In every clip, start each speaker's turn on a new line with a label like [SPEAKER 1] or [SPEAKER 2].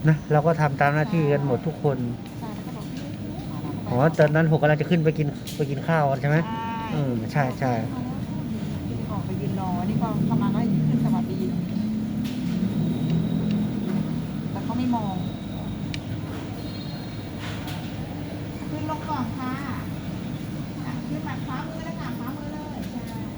[SPEAKER 1] นะเราก็ทำตามหน้าที่กันหมดทุกคน
[SPEAKER 2] ใช่แล้วก็บอกพี่มาแล้ว
[SPEAKER 1] อ๋อตอนนั้นผมกำลังจะขึ้นไปกินข้าวใช่ไหมใช่ใช่
[SPEAKER 2] ออกไปยืนรอนี่ก็เข้ามาก็ขึ้นสวัสดีแต่เขาไม่มองขึ้นลงก่อนค่ะขึ้นแบบขวามือแล้วค่ะขวามือเลยใช่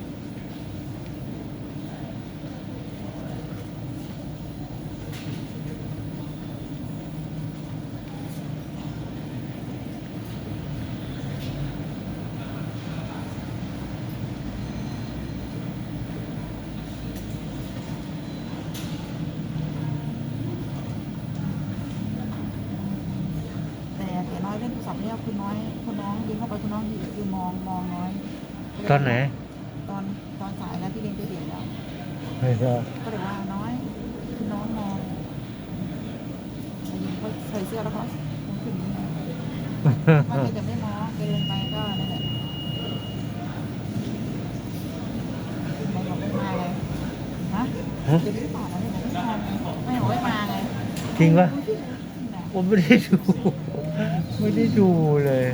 [SPEAKER 2] แต่น้อยเล่นโทรศัพท์เนี่ยคุณน้อยคุณน้องยิงเข้าไปคุณน้องยืนมองน้อย
[SPEAKER 1] ตอนไหน
[SPEAKER 2] ตอนสายแล้วที่เรียนไปเรียนแล้ว
[SPEAKER 1] ไม่ก็
[SPEAKER 2] ก็เลยว่าน้อยคุณน้องมองยิงเขาใส่เสื้อแล้วเขาขึ้นนี้มันก็จะไม่มองเดินไปก็นั่นแหละขึ้นไปบอกไม่มาเลยฮะจะไม่ตอบอะไรไม่บอกไม่มาไง
[SPEAKER 1] จริงปะผมไม่ได้ดูไม่ได้ดูเลย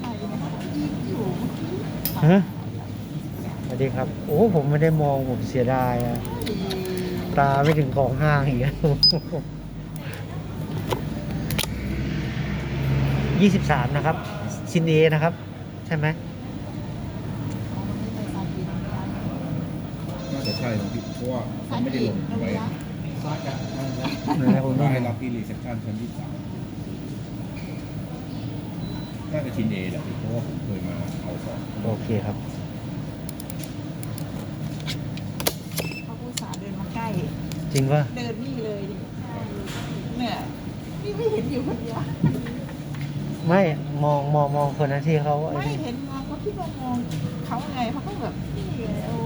[SPEAKER 1] ฮะสวัสดีครับโอ้ผมไม่ได้มองผมเสียดายอะตาไม่ถึงของห้างอีก23นะครับชินเอนะครับใช่ไหม
[SPEAKER 3] น่าจะใช่ครับพี่เพราะว่าเขาไม่ได้ลงไว้
[SPEAKER 1] ผม
[SPEAKER 3] ว่า
[SPEAKER 1] ไม่
[SPEAKER 3] ให้รับที่รีเซพชันชั้น23น่าจะชินเอแหละพี่เพราะว่าผมเคยมาเอาของ
[SPEAKER 1] โอเคครับ
[SPEAKER 2] เขาผู้สาเดินมาใกล้
[SPEAKER 1] จริงปะ
[SPEAKER 2] เดินนี่เลยดิเนี่ยนี่ไม่เห็นอยู่คนเดียว
[SPEAKER 1] ไม่มองคนนั้นที่เขาไอ้
[SPEAKER 2] ไม่
[SPEAKER 1] นี่
[SPEAKER 2] เห็นมองเขาคิดว่ามองเขาไงเขาก็แบบนี่ไงโอ้